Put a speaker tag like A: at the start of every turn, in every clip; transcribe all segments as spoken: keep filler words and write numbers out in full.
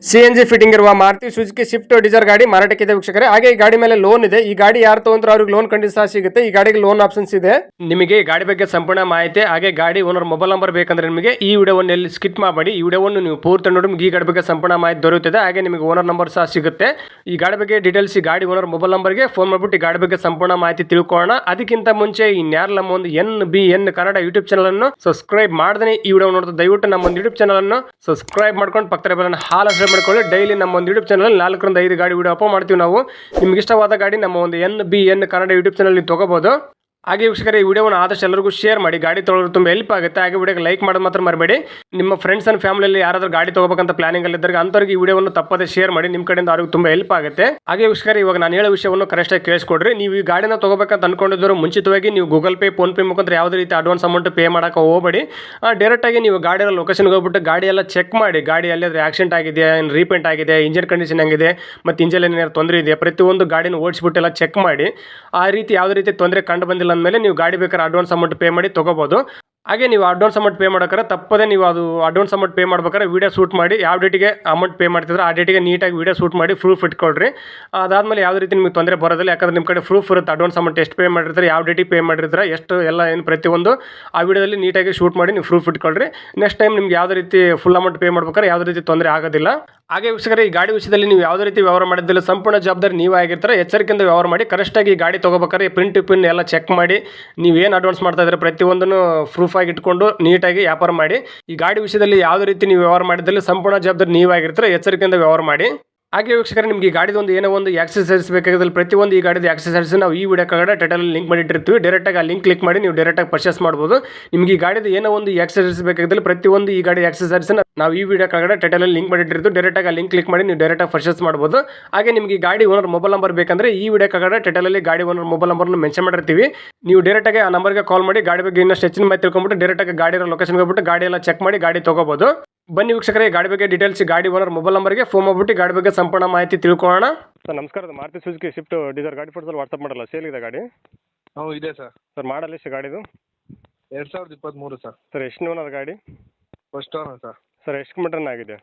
A: CNG fitting ಇರುವ Maruti Suzuki Swift Dzire ಗಾಡಿ ಮಾರಾಟಕ್ಕಿದೆ ವೀಕ್ಷಕರೇ. ಹಾಗೆ ಈ ಗಾಡಿ ಮೇಲೆ ಲೋನ್ ಇದೆ. ಈ ಗಾಡಿ ಯಾರು ತಗೊಂಡ್ರು ಅವ್ರಿಗೆ ಲೋನ್ ಖಂಡಿತ ಸಿಗುತ್ತೆ. ಈ ಗಾಡಿಗೆ ಲೋನ್ ಆಪ್ಷನ್ಸ್ ಇದೆ. ನಿಮಗೆ ಈ ಗಾಡಿ ಬಗ್ಗೆ ಸಂಪೂರ್ಣ ಮಾಹಿತಿ ಹಾಗೆ ಗಾಡಿ ಓನರ್ ಮೊಬೈಲ್ ನಂಬರ್ ಬೇಕಂದ್ರೆ ನಿಮಗೆ ಈ ವಿಡಿಯೋವನ್ನು ಎಲ್ಲಿ ಸ್ಕಿಪ್ ಮಾಡಬೇಡಿ. ಈ ವಿಡಿಯೋವನ್ನು ನೀವು ಪೂರ್ತಿ ನೋಡಿ ನಿಮಗೆ ಈ ಗಾಡಿ ಬಗ್ಗೆ ಸಂಪೂರ್ಣ ಮಾಹಿತಿ ದೊರೆಯುತ್ತದೆ. ಹಾಗೆ ನಿಮಗೆ ಓನರ್ ನಂಬರ್ ಸಹ ಸಿಗುತ್ತೆ. ಈ ಗಾಡಿ ಬಗ್ಗೆ ಡೀಟೇಲ್ಸ್ ಈ ಗಾಡಿ ಓನರ್ ಮೊಬೈಲ್ ನಂಬರ್ಗೆ ಫೋನ್ ಮಾಡಿಬಿಟ್ಟು ಈ ಗಾಡಿ ಬಗ್ಗೆ ಸಂಪೂರ್ಣ ಮಾಹಿತಿ ತಿಳ್ಕೊಳ್ಳೋಣ. ಅದಕ್ಕಿಂತ ಮುಂಚೆ ಇನ್ಯಾರು ನಮ್ಮ ಒಂದು N B N Kannada YouTube channel ಅನ್ನು ಸಬ್ಸ್ಕ್ರೈಬ್ ಮಾಡದೇ ಈ ವಿಡಿಯೋ ನೋಡ್ತಾ ದಯವಿಟ್ಟು ನಮ್ಮ ಒಂದು ಯೂಟ್ಯೂಬ್ ಚಾನಲ್ ಅನ್ನು ಸಬ್ಸ್ಕ್ರೈಬ್ ಮಾಡ್ಕೊಂಡು ಪಕ್ಕದ ಬೆಲ್ಲನ್ನು ಹಾಲ್ ಅಪ್ಡೇಟ್ ಮಾಡ್ಕೊಳ್ಳಿ. ಡೈಲಿ ನಮ್ಮ ಒಂದು ಯೂಟ್ಯೂಬ್ ಚಾನಲ್ ನಾಲ್ಕರಿಂದ ಐದು ಗಾಡಿ ವಿಡಿಯೋ ಅಪ್ಲೋಡ್ ಮಾಡ್ತೀವಿ ನಾವು. ನಿಮ್ಗೆ ಇಷ್ಟವಾದ ಗಾಡಿ ನಮ್ಮ ಒಂದು N B N Kannada YouTube channel ನೀವು ತಗೋಬಹುದು. ಹಾಗೆ ವೀಕ್ಷಕರೇ, ಈ ವಿಡಿಯೋವನ್ನು ಆದಷ್ಟು ಎಲ್ಲರಿಗೂ ಶೇರ್ ಮಾಡಿ. ಗಾಡಿ ತೊಗೊಳ್ಳೋದು ತುಂಬ ಹೆಲ್ಪ್ ಆಗುತ್ತೆ. ಹಾಗೆ ವಿಡಿಯೋಗೆ ಲೈಕ್ ಮಾಡೋದು ಮಾತ್ರ ಮರಬೇಡಿ. ನಿಮ್ಮ ಫ್ರೆಂಡ್ಸ್ ಅಂಡ್ ಫ್ಯಾಮಿಲಿಯಲ್ಲಿ ಯಾರಾದರೂ ಗಾಡಿ ತಗೋಬೇಕಂತ ಪ್ಲಾನಿಂಗ್ ಅಲ್ಲಿ ಇದ್ದರೆ ಅಂಥವ್ರಿಗೆ ಈ ವಿಡಿಯೋವನ್ನು ತಪ್ಪದೆ ಶೇರ್ ಮಾಡಿ. ನಿಮ್ಮ ಕಡೆಯಿಂದ ಅವ್ರಿಗೆ ತುಂಬ ಹೆಲ್ಪ್ ಆಗುತ್ತೆ. ಹಾಗೆ ವೀಕ್ಷಕರೇ, ಇವಾಗ ನಾನು ಹೇಳೋ ವಿಷಯವನ್ನು ಕರೆಕ್ಟಾಗಿ ಕೇಳಿಸ್ಕೊಡ್ರಿ. ನೀವು ಈ ಗಾಡಿನ ತಗೋಬೇಕಂತ ಅನ್ಕೊಂಡಿದ್ರು ಮುಂಚಿತವಾಗಿ ನೀವು ಗೂಗಲ್ ಪೇ ಫೋನ್ ಪೇ ಮುಖಾಂತರ ಯಾವುದೇ ರೀತಿ ಅಡ್ವಾನ್ಸ್ ಅಮೌಂಟ್ ಪೇ ಮಾಡೋಕೆ ಹೋಗಬೇಡಿ. ಡೈರೆಕ್ಟಾಗಿ ನೀವು ಗಾಡಿಯ ಲೊಕೇಶನ್ಗೆ ಹೋಗ್ಬಿಟ್ಟು ಗಾಡಿ ಎಲ್ಲ ಚೆಕ್ ಮಾಡಿ. ಗಾಡಿ ಎಲ್ಲಿಯಾದ್ರೆ ಆಕ್ಸಿಡೆಂಟ್ ಆಗಿದೆ, ಏನು ರೀಪೇಂಟ್ ಆಗಿದೆ, ಇಂಜಿನ್ ಕಂಡೀಷನ್ ಹೆಂಗಿದೆ, ಮತ್ತು ಇಂಜಿನ್ ಏನಾದ್ರು ತೊಂದರೆ ಇದೆ, ಪ್ರತಿಯೊಂದು ಗಾಡಿನ ಓಡಿಸ್ಬಿಟ್ಟು ಎಲ್ಲ ಚೆಕ್ ಮಾಡಿ. ಆ ರೀತಿ ಯಾವುದೇ ರೀತಿ ತೊಂದರೆ ಕಂಡು ಬಂದಿಲ್ಲ ಅಂದಮೇಲೆ ನೀವು ಗಾಡಿ ಬೇಕಾದ್ರೆ ಅಡ್ವಾನ್ಸ್ ಅಮೌಂಟ್ ಪೇ ಮಾಡಿ ತಗೋಬಹುದು. ಹಾಗೆ ನೀವು ಅಡ್ವಾನ್ಸ್ ಅಮೌಂಟ್ ಪೇ ಮಾಡೋಕ್ರೆ ತಪ್ಪದೆ ನೀವು ಅದು ಅಡ್ವಾನ್ಸ್ ಅಮೌಂಟ್ ಪೇ ಮಾಡ್ಬೇಕಾದ್ರೆ ವೀಡಿಯೋ ಶೂಟ್ ಮಾಡಿ. ಯಾವ ಡೇಟಿಗೆ ಅಮೌಂಟ್ ಪೇ ಮಾಡ್ತಿದ್ರೆ ಆ ಡೇಟಿಗೆ ನೀಟಾಗಿ ವೀಡಿಯೋ ಶೂಟ್ ಮಾಡಿ ಪ್ರೂಫ್ ಇಟ್ಕೊಳ್ರಿ. ಅದಾದಮೇಲೆ ಯಾವುದೇ ರೀತಿ ನಿಮಗೆ ತೊಂದರೆ ಬರೋದಿಲ್ಲ. ಯಾಕಂದ್ರೆ ನಿಮ್ಮ ಕಡೆ ಪ್ರೂಫ್ ಇರುತ್ತೆ. ಅಡ್ವಾನ್ಸ್ ಅಮೌಂಟ್ ಎಷ್ಟು ಪೇ ಮಾಡಿರ್ತಾರೆ, ಯಾವ ಡೇಟಿಗೆ ಪೇ ಮಾಡಿರ್ತಾರೆ, ಎಷ್ಟು ಎಲ್ಲ ಏನು ಪ್ರತಿಯೊಂದು ಆ ವಿಡಿಯೋದಲ್ಲಿ ನೀಟಾಗಿ ಶೂಟ್ ಮಾಡಿ ನೀವು ಪ್ರೂಫ್ ಇಟ್ಕೊಳ್ರಿ. ನೆಕ್ಸ್ಟ್ ಟೈಮ್ ನಿಮ್ಗೆ ಯಾವುದೇ ರೀತಿ ಫುಲ್ ಅಮೌಂಟ್ ಪೇ ಮಾಡ್ಬೇಕಾದ್ರೆ ಯಾವುದೇ ರೀತಿ ತೊಂದರೆ ಆಗೋದಿಲ್ಲ. ಹಾಗೆ ವೀಕ್ಷಕರೇ, ಈ ಗಾಡಿ ವಿಷಯದಲ್ಲಿ ನೀವು ಯಾವುದೇ ರೀತಿ ವ್ಯವಹಾರ ಮಾಡಿದ್ದಿಲ್ಲ, ಸಂಪೂರ್ಣ ಜವಾಬ್ದಾರಿ ನೀವು ಆಗಿರ್ತಾರೆ. ಎಚ್ಚರಿಕೆಯಿಂದ ವ್ಯವಹಾರ ಮಾಡಿ. ಕರೆಕ್ಟಾಗಿ ಈ ಗಾಡಿ ತೊಗೋಬೇಕಾದ್ರೆ ಪ್ರಿಂಟ್ ಪಿನ್ ಎಲ್ಲ ಚೆಕ್ ಮಾಡಿ. ನೀವು ಏನು ಅಡ್ವಾನ್ಸ್ ಮಾಡ್ತಾ ಇದ್ರೆ ಪ್ರತಿಯೊಂದನ್ನು ಪ್ರೂಫ್ ಆಗಿ ಇಟ್ಕೊಂಡು ನೀಟಾಗಿ ವ್ಯಾಪಾರ ಮಾಡಿ. ಈ ಗಾಡಿ ವಿಷಯದಲ್ಲಿ ಯಾವುದೇ ರೀತಿ ನೀವು ವ್ಯವಹಾರ ಮಾಡಿದ್ದಲ್ಲಿ ಸಂಪೂರ್ಣ ಜವಾಬ್ದಾರಿ ನೀವಾಗಿರ್ತಾರೆ. ಎಚ್ಚರಿಕೆಯಿಂದ ವ್ಯವಹಾರ ಮಾಡಿ. ಹಾಗೆ ವೀಕ್ಷಕರೇ, ನಿಮಗೆ ಈ ಗಾಡಿದು ಒಂದು ಏನೋ ಒಂದು ಆಕ್ಸೆಸರೀಸ್ ಬೇಕಾಗಿದ್ದಲ್ಲಿ ಪ್ರತಿಯೊಂದು ಈ ಗಾಡಿದ ಆಕ್ಸೆಸರೀಸ್ ನಾವು ಈ ವಿಡಿಯೋ ಕೆಳಗಡೆ ಟೈಟಲಲ್ಲಿ ಲಿಂಕ್ ಮಾಡಿಟ್ಟಿರ್ತೀವಿ. ಡೈರೆಕ್ಟಾಗಿ ಆ ಲಿಂಕ್ ಕ್ಲಿಕ್ ಮಾಡಿ ನೀವು ಡೈರೆಕ್ಟಾಗಿ ಪರ್ಚೇಸ್ ಮಾಡ್ಬೋದು. ನಿಮಗೆ ಈ ಗಾಡಿದ ಏನೋ ಒಂದು ಆಕ್ಸೆಸರೀಸ್ ಬೇಕಾಗಿದ್ದಲ್ಲಿ ಪ್ರತಿಯೊಂದು ಈ ಗಾಡಿ ಆಕ್ಸೆಸರೀಸ್ ನಾವು ಈ ವಿಡಿಯೋ ಕೆಳಗಡೆ ಟೈಟಲಲ್ಲಿ ಲಿಂಕ್ ಮಾಡಿಟ್ಟಿರ್ತೀವಿ. ಡೈರೆಕ್ಟಾಗಿ ಆ ಲಿಂಕ್ ಕ್ಲಿಕ್ ಮಾಡಿ ನೀವು ಡೈರೆಕ್ಟಾಗಿ ಪರ್ಚೇಸ್ ಮಾಡ್ಬೋದು. ಹಾಗೆ ನಿಮಗೆ ಈ ಗಾಡಿ ಓನರ್ ಮೊಬೈಲ್ ನಂಬರ್ ಬೇಕಂದ್ರೆ ಈ ವಿಡಿಯೋ ಕೆಳಗಡೆ ಟೈಟಲಲ್ಲಿ ಗಾಡಿ ಓನರ್ ಮೊಬೈಲ್ ನಂಬರ್ನ ಮೆನ್ಷನ್ ಮಾಡಿರ್ತೀವಿ. ನೀವು ಡೈರೆಕ್ಟಾಗಿ ಆ ನಂಬರ್ಗೆ ಕಾಲ್ ಮಾಡಿ ಗಾಡಿ ಬಗ್ಗೆ ಇನ್ನಷ್ಟು ಹೆಚ್ಚಿನ ಮಾಹಿತಿ ತಿಳ್ಕೊಂಡ್ಬಿಟ್ಟು ಡೈರೆಕ್ಟಾಗಿ ಗಾಡಿ ಲೊಕೇಶನ್ಗೆ ಹೋಗ್ಬಿಟ್ಟು ಗಾಡಿ ಎಲ್ಲ ಚೆಕ್ ಮಾಡಿ ಗಾಡಿ ತಗೋಬಹುದು. ಬನ್ನಿ ವೀಕ್ಷಕರೇ, ಗಾಡಿ ಬಗ್ಗೆ ಡೀಟೇಲ್ಸ್ ಗಾಡಿ ಓನರ್ ಮೊಬೈಲ್ ನಂಬರ್ಗೆ ಫೋನ್ ಮಾಡ್ಬಿಟ್ಟು ಗಾಡಿ ಬಗ್ಗೆ ಸಂಪೂರ್ಣ ಮಾಹಿತಿ ತಿಳ್ಕೊಳ್ಳೋಣ. ಸರ್ ನಮಸ್ಕಾರ. ಮಾರುತಿ ಸುಜುಕಿ ಸ್ವಿಫ್ಟ್ ಡಿಸೈರ್ ಗಾಡಿ ಫೋಟೋದಲ್ಲಿ ವಾಟ್ಸಪ್ ಮಾಡಲ್ಲ, ಸೇಲ್ ಇದೆ ಗಾಡಿ?
B: ಹ್ಞೂ ಇದೆ ಸರ್.
A: ಸರ್ ಮಾಡಲ್ ಎಷ್ಟು ಗಾಡಿದು?
B: ಎರಡು ಸಾವಿರದ ಇಪ್ಪತ್ತ್ಮೂರು ಸರ್.
A: ಸರ್ ಎಷ್ಟು ಓನರ್ ಗಾಡಿ?
B: First owner sir.
A: ಸರ್ ಎಷ್ಟು ಕಿಲೋಮೀಟರ್ ಆಗಿದೆ?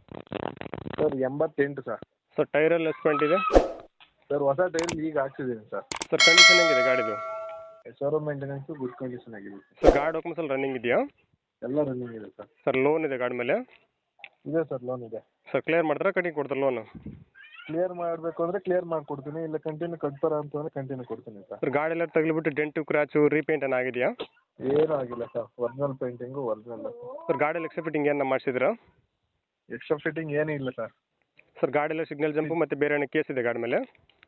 B: ಸರ್ ಎಂಬತ್ತೆಂಟು ಸರ್.
A: ಸರ್ ಟೈರಲ್ಲಿ ಎಸ್ಪೆಂಟ್ ಇದೆ?
B: ಸರ್ ಹೊಸ ಟೈರ್ ಈಗ ಹಾಕ್ಸಿದ್ದೀನಿ ಸರ್.
A: ಸರ್ ಕಂಡೀಷನ್ ಹೆಂಗಿದೆ ಗಾಡಿದು?
B: ಶೋರೂಮ್ ಮೇಂಟೆನೆನ್ಸು ಗುಡ್ ಕಂಡೀಷನ್ ಆಗಿದೆ
A: ಸರ್. ಗಾಡಿ ಡಾಕ್ಯುಮೆಂಟ್ಸ್ ಎಲ್ಲ ರನ್ನಿಂಗ್ ಇದೆಯಾ?
B: ಎಲ್ಲ ರನ್ನಿಂಗ್ ಇದೆ ಸರ್.
A: ಸರ್ ಲೋನ್ ಇದೆ ಗಾಡಿ ಮೇಲೆ?
B: ಇದೆ ಸರ್, ಲೋನ್ ಇದೆ.
A: ಸರ್ ಕ್ಲಿಯರ್ ಮಾಡ್ತಾರೆ ಕಟಿಂಗ್ ಕೊಡ್ತಾರೆ ಲೋನು?
B: ಕ್ಲಿಯರ್ ಮಾಡಬೇಕು ಅಂದರೆ ಕ್ಲಿಯರ್ ಮಾಡಿಕೊಡ್ತೀನಿ, ಇಲ್ಲ ಕಂಟಿನ್ಯೂ ಕಟ್ತಾರ ಅಂತಂದರೆ ಕಂಟಿನ್ಯೂ ಕೊಡ್ತೀನಿ ಸರ್.
A: ಸರ್ ಗಾಡಿ ಎಲ್ಲ ತಗಲಿಬಿಟ್ಟು ಡೆಂಟು ಕ್ರಾಚು ರೀಪೇಂಟ್ ಏನಾಗಿದೆಯಾ?
B: ಏನೂ ಆಗಿಲ್ಲ sir, original painting original.
A: Sir ಗಾಡಿಯಲ್ಲಿ ಎಕ್ಸ್ಟ್ರಾ ಫಿಟ್ಟಿಂಗ್ ಏನು ಮಾಡಿಸಿದ್ರಾ?
B: ಎಕ್ಸ್ಟ್ರಾ ಫಿಟ್ಟಿಂಗ್ ಏನೂ ಇಲ್ಲ ಸರ್.
A: ಸರ್ ಗಾಡಿಯಲ್ಲಿ ಸಿಗ್ನಲ್ ಜಂಪು ಮತ್ತು ಬೇರೆ ಏನೋ ಕೇಸ್ ಇದೆ ಗಾಡಿ ಮೇಲೆ?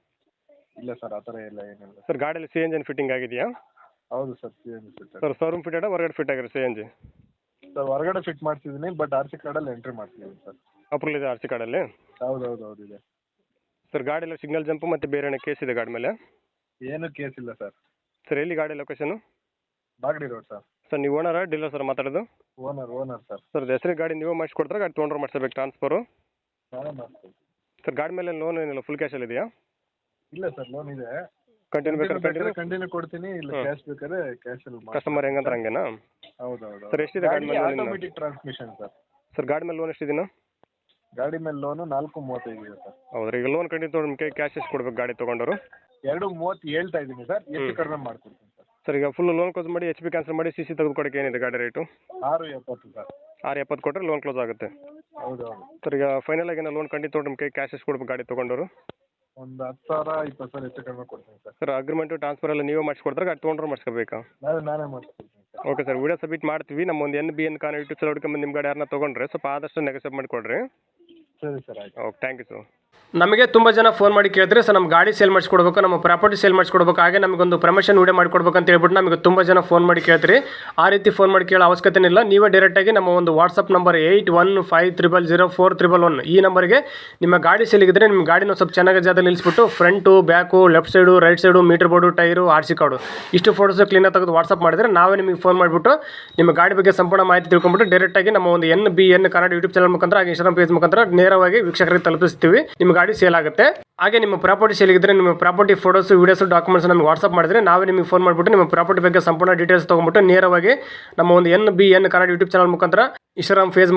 B: ಇಲ್ಲ ಸರ್, ಆ ಥರ ಇಲ್ಲ, ಏನಿಲ್ಲ.
A: ಸರ್ ಗಾಡಿಯಲ್ಲಿ ಸಿ ಎನ್ ಜಿ ಫಿಟ್ಟಿಂಗ್ ಆಗಿದೆಯಾ?
B: ಹೌದು sir, C N G fit.
A: Sir showroom fit ಆಡ ಹೊರಗಡೆ ಫಿಟ್ ಆಗಿರೋ ಸಿ ಎನ್ ಜಿ?
B: ಸರ್ ಹೊರಗಡೆ ಫಿಟ್ ಮಾಡ್ತಿದ್ದೀನಿ, ಬಟ್ ಆರ್ ಸಿ ಕಾರ್ಡಲ್ಲಿ ಎಂಟ್ರಿ ಮಾಡ್ತಿದ್ದೀನಿ ಸರ್.
A: ಅಪ್ರೂವಲ್ ಇದೆ ಆರ್ ಸಿ ಕಾರ್ಡಲ್ಲಿ?
B: ಹೌದು ಹೌದು ಹೌದು ಇದೆ.
A: ಸರ್ ಗಾಡಿಯಲ್ಲಿ ಸಿಗ್ನಲ್ ಜಂಪು ಮತ್ತು ಬೇರೆ ಏನೋ ಕೇಸ್ ಇದೆ ಗಾಡಿ ಮೇಲೆ?
B: ಏನೂ ಕೇಸ್ ಇಲ್ಲ ಸರ್.
A: ಸರ್ ಎಲ್ಲಿ ಗಾಡಿ ಲೊಕೇಶನು?
B: ಬಾಗಡಿ ರೋಡ್ ಸರ್.
A: ಸರ್ ನೀವು ಓನರಾ ಡೀಲರ್ ಸರ್ ಮಾತಾಡೋದು?
B: Owner owner sir.
A: ಸರ್ ಹೆಸರಿಗೆ ಗಾಡಿ ನೀವು ಮಾಡಿಸ್ಕೊಡ್ತಾರೆ ಗಾಡಿ ತೊಗೊಂಡ್ರೆ ಮಾಡಿಸ್ಬೇಕು ಟ್ರಾನ್ಸ್ಫರು?
B: ನಾನೇ ಮಾಡ್ತೀನಿ
A: ಸರ್. ಗಾಡಿ ಮೇಲೆ ಲೋನ್ ಏನಿಲ್ಲ, ಫುಲ್ ಕ್ಯಾಶಲ್ಲಿ ಇದೆಯಾ?
B: ಇಲ್ಲ ಸರ್, ಲೋನ್ ಇದೆ.
A: ಕಂಟಿನ್ಯೂ ಬೇಕಾದ್ರೆ ಕಂಟಿನ್ಯೂ
B: ಕಂಟಿನ್ಯೂ ಕೊಡ್ತೀನಿ, ಇಲ್ಲ ಕ್ಯಾಶ್ ಬೇಕಾದ್ರೆ ಕ್ಯಾಶಲ್ಲಿ ಮಾಡಿ.
A: ಕಸ್ಟಮರ್ ಹೆಂಗಂದ್ರೆ ಹಂಗೇನಾ?
B: ಹೌದು ಹೌದು.
A: ಸರ್ ಎಷ್ಟಿದೆ ಗಾಡಿ ಮೇಲೆ?
B: Automatic transmission sir.
A: ಸರ್ ಗಾಡಿ ಮೇಲೆ ಲೋನ್ ಎಷ್ಟಿದೆನಾ?
B: ಗಾಡಿ ಮೇಲೆ ಲೋನು ನಾಲ್ಕು ಮೂವತ್ತೈದು ಇದೆ ಸರ್.
A: ಹೌದ್ರಿ. ಈಗ ಲೋನ್ ಕಂಟಿನ್ಯೂ ತೊಗೊಂಡು ನಿಮಗೆ ಕ್ಯಾಶ್ ಎಷ್ಟು ಕೊಡ್ಬೇಕು ಗಾಡಿ ತೊಗೊಂಡವರು?
B: ಎರಡು ಮೂವತ್ತು ಹೇಳ್ತಾ ಇದ್ದೀನಿ ಸರ್, ಹೆಚ್ಚು ಕಡಿಮೆ ಮಾಡ್ಕೊಡ್ತೀನಿ ಸರ್.
A: ಸರ್ ಈಗ ಫುಲ್ ಲೋನ್ ಕ್ಲೋಸ್ ಮಾಡಿ ಎಚ್ ಪಿ ಕ್ಯಾನ್ಸಲ್ ಮಾಡಿ ಸಿ ಸಿ ತೆಗೆದು ಕೊಡೋಕೆ ಏನಿದೆ ಗಾಡಿ ರೇಟು?
B: ಆರು ಎಪ್ಪತ್ತು ಸರ್.
A: ಆರು ಎಪ್ಪತ್ತು ಕೊಟ್ಟರೆ ಲೋನ್ ಕ್ಲೋಸ್ ಆಗುತ್ತೆ?
B: ಹೌದು ಹೌದು.
A: ಸರ್ ಈಗ ಫೈನಲ್ ಆಗಿ ಲೋನ್ ಕಂಟಿನ್ಯೂ ತೊಗೊಂಡು ನಿಮಗೆ ಕ್ಯಾಶ್ ಎಷ್ಟು ಕೊಡ್ಬೇಕು ಗಾಡಿ ತೊಗೊಂಡವರು?
B: ಒಂದು ಹತ್ತು ಸಾವಿರ ಇಪ್ಪತ್ತು ಸಾವಿರ ಹೆಚ್ಚು ಕಡಿಮೆ ಕೊಡ್ತೀನಿ ಸರ್.
A: ಸರ್ ಅಗ್ರಿಮೆಂಟು ಟ್ರಾನ್ಸ್ಫರ್ ಎಲ್ಲ ನೀವೇ ಮಾಡಿಸ್ಕೊಡ್ತಾರೆ ಗಾಡಿ ತೊಗೊಂಡ್ರೆ ಮಾಡಿಸ್ಕೋಬೇಕಾ?
B: ನಾನು ನಾನೇ ಮಾಡಿಸ್ಕೊಡ್ತೀನಿ sir.
A: Okay sir, video submit ಮಾಡ್ತೀವಿ. ನಮ್ಮ ಒಂದು ಎನ್ ಬಿ ಎನ್ ಕಾನ್ ಯೂಟ್ಯೂಬ್ ಚಾನಲ್ ಹುಡ್ಕೊಂಬಂದು ನಿಮ್ಮ ಗಾಡಿ ಯಾರನ್ನ ತೊಗೊಂಡ್ರೆ ಸ್ವಲ್ಪ ಆದಷ್ಟು ನೆಗೋಸಿಯೇಟ್ ಮಾಡಿಕೊಡ್ರಿ.
B: ಸರಿ ಸರ್, ಆಯ್ತು.
A: Okay, thank you sir. ನಮಗೆ ತುಂಬ ಜನ ಫೋನ್ ಮಾಡಿ ಕೇಳಿದ್ರೆ ಸರ್ ನಮ್ಮ ಗಾಡಿ ಸೇಲ್ ಮಾಡಿಸ್ಕೊಡ್ಬೇಕು, ನಮ್ಮ ಪ್ರಾಪರ್ಟಿ ಸೇಲ್ ಮಾಡಿಸ್ಕೊಡ್ಬೇಕು, ಹಾಗೆ ನಮಗೊಂದು ಪ್ರಮೋಷನ್ ವಿಡಿಯೋ ಮಾಡಿಕೊಡ್ಬೇಕು ಅಂತ ಹೇಳ್ಬಿಟ್ಟು ನಮಗೆ ತುಂಬ ಜನ ಫೋನ್ ಮಾಡಿ ಕೇಳ್ತೀರಿ. ಆ ರೀತಿ ಫೋನ್ ಮಾಡಿ ಕೇಳೋ ಅವಶ್ಯಕತೆ ಇಲ್ಲ. ನೀವೇ ಡೈರೆಕ್ಟಾಗಿ ನಮ್ಮ ಒಂದು WhatsApp number eight one five triple zero four triple one ಈ ನಂಬರ್ಗೆ ನಿಮ್ಮ ಗಾಡಿ ಸೇಲಿಗಿದ್ರೆ ನಿಮ್ಮ ಗಾಡಿನ ಸ್ವಲ್ಪ ಚೆನ್ನಾಗಿ ಜಾಗದಲ್ಲಿ ನಿಲ್ಲಿಸ್ಬಿಟ್ಟು front back left side right side meter board tyre R C card ಇಷ್ಟು ಫೋಟೋಸ್ ಕ್ಲೀನಾಗಿ ತೆಗೆದು ವಾಟ್ಸಪ್ ಮಾಡಿದರೆ ನಾವೇ ನಿಮಗೆ ಫೋನ್ ಮಾಡಿಬಿಟ್ಟು ನಿಮ್ಮ ಗಾಡಿ ಬಗ್ಗೆ ಸಂಪೂರ್ಣ ಮಾಹಿತಿ ತಿಳ್ಕೊಂಡ್ಬಿಟ್ಟು ಡೈರೆಕ್ಟಾಗಿ ನಮ್ಮ ಒಂದು N B N Kannada YouTube channel ಮುಖಾಂತರ ಹಾಗೆ ಇನ್ಸ್ಟಾಗ್ರಾಮ್ ಪೇಜ್ ಮುಖಾಂತರ ನೇರವಾಗಿ ವೀಕ್ಷಕರಿಗೆ ತಲುಪಿಸ್ತೀವಿ. ನಿಮ್ಮ ಗಾಡಿ ಸೇಲ್ ಆಗುತ್ತೆ. ಹಾಗೆ ನಿಮ್ಮ ಪ್ರಾಪರ್ಟಿ ಸೇಲಿಗಿದ್ರೆ ನಿಮ್ಮ ಪ್ರಾಪರ್ಟಿ ಫೋಟೋಸ್ ವಿಡಿಯೋಸ್ ಡಾಕ್ಯುಮೆಂಟ್ಸ್ ನಮಗೆ ವಾಟ್ಸಪ್ ಮಾಡಿದ್ರೆ ನಾವೇ ನಿಮಗೆ ಫೋನ್ ಮಾಡಿಬಿಟ್ಟು ನಿಮ್ಮ ಪ್ರಾಪರ್ಟಿ ಬಗ್ಗೆ ಸಂಪೂರ್ಣ ಡೀಟೇಲ್ಸ್ ತೊಗೊಂಡ್ಬಿಟ್ಟು ನೇರವಾಗಿ ನಮ್ಮ ಒಂದು N B N Kannada YouTube channel ಮುಖಾಂತರ ಇನ್ಸ್ಟಾಗ್ರಾಮ್ ಫೇಸ್ ಮುಖಾಂತರ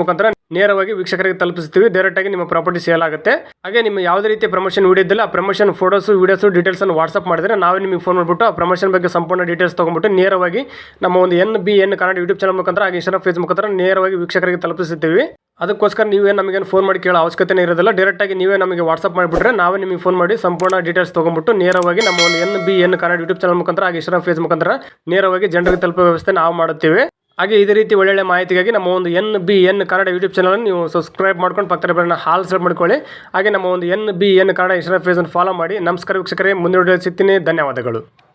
A: ನೇರವಾಗಿ ವೀಕ್ಷಕರಿಗೆ ತಲುಪಿಸ್ತೀವಿ. ಡೈರೆಕ್ಟಾಗಿ ನಿಮ್ಮ ಪ್ರಾಪರ್ಟಿ ಸೇಲ್ ಆಗುತ್ತೆ. ಹಾಗೆ ನಿಮ್ಮ ಯಾವುದೇ ರೀತಿಯ ಪ್ರಮೋಷನ್ ವಿಡಿಯೋ ಇದ್ದಿಲ್ಲ ಆ ಪ್ರಮೋಷನ್ ಫೋಟೋಸು ವೀಡಿಯೋಸು ಡೀಟೇಲ್ಸನ್ನು ವಾಟ್ಸಪ್ ಮಾಡಿದ್ರೆ ನಾವೇ ನಿಮಗೆ ಫೋನ್ ಮಾಡಿಬಿಟ್ಟು ಆ ಪ್ರಮೋಷನ್ ಬಗ್ಗೆ ಸಂಪೂರ್ಣ ಡೀಟೇಲ್ಸ್ ತೊಗೊಂಡ್ಬಿಟ್ಟು ನೇರವಾಗಿ ನಮ್ಮ ಒಂದು N B N Kannada YouTube channel ಮುಖಾಂತರ ಹಾಗೆ ಇನ್ಸ್ಟಾಗ್ರಾಮ್ ಫೇಸ್ ಮುಖಾಂತರ ನೇರವಾಗಿ ವೀಕ್ಷಕರಿಗೆ ತಲುಪಿಸುತ್ತೀವಿ. ಅದಕ್ಕೋಸ್ಕರ ನೀವೇ ನಮಗೇನು ಫೋನ್ ಮಾಡಿ ಕೇಳೋ ಅವಶ್ಯಕತೆ ಇರೋದಿಲ್ಲ. ಡೈರೆಕ್ಟಾಗಿ ನೀವೇ ನಮಗೆ ವಾಟ್ಸಪ್ ಮಾಡಿಬಿಟ್ರೆ ನಾವೇ ನಿಮಗೆ ಫೋನ್ ಮಾಡಿ ಸಂಪೂರ್ಣ ಡೀಟೇಲ್ಸ್ ತೊಗೊಂಡ್ಬಿಟ್ಟು ನೇರವಾಗಿ ನಮ್ಮ ಒಂದು N B N Kannada YouTube channel ಮುಖಾಂತರ ಹಾಗೆ ಇನ್ಸ್ಟಾಗ್ರಾಮ್ ಫೇಸ್ ಮುಖಾಂತರ ನೇರವಾಗಿ ಜನರಿಗೆ ತಲುಪೋ ವ್ಯವಸ್ಥೆ ನಾವು ಮಾಡುತ್ತೇವೆ. ಹಾಗೆ ಇದೇ ರೀತಿ ಒಳ್ಳೊಳ್ಳೆ ಮಾಹಿತಿಗಾಗಿ ನಮ್ಮ ಒಂದು N B N Kannada YouTube channel ನೀವು ಸಬ್ಸ್ಕ್ರೈಬ್ ಮಾಡ್ಕೊಂಡು ಪಕ್ಕದ ಬೆಲ್ಲನ್ನ ಹಾಲ್ ಸೆಲೆಕ್ಟ್ ಮಾಡ್ಕೊಳ್ಳಿ. ಹಾಗೆ ನಮ್ಮ ಒಂದು N B N Kannada Instagram ಫೇಸನ್ನು ಫಾಲೋ ಮಾಡಿ. ನಮಸ್ಕಾರ ವೀಕ್ಷಕರೇ, ಮುಂದಿನ ವಿಡಿಯೋ ಸಿಗ್ತೀನಿ. ಧನ್ಯವಾದಗಳು.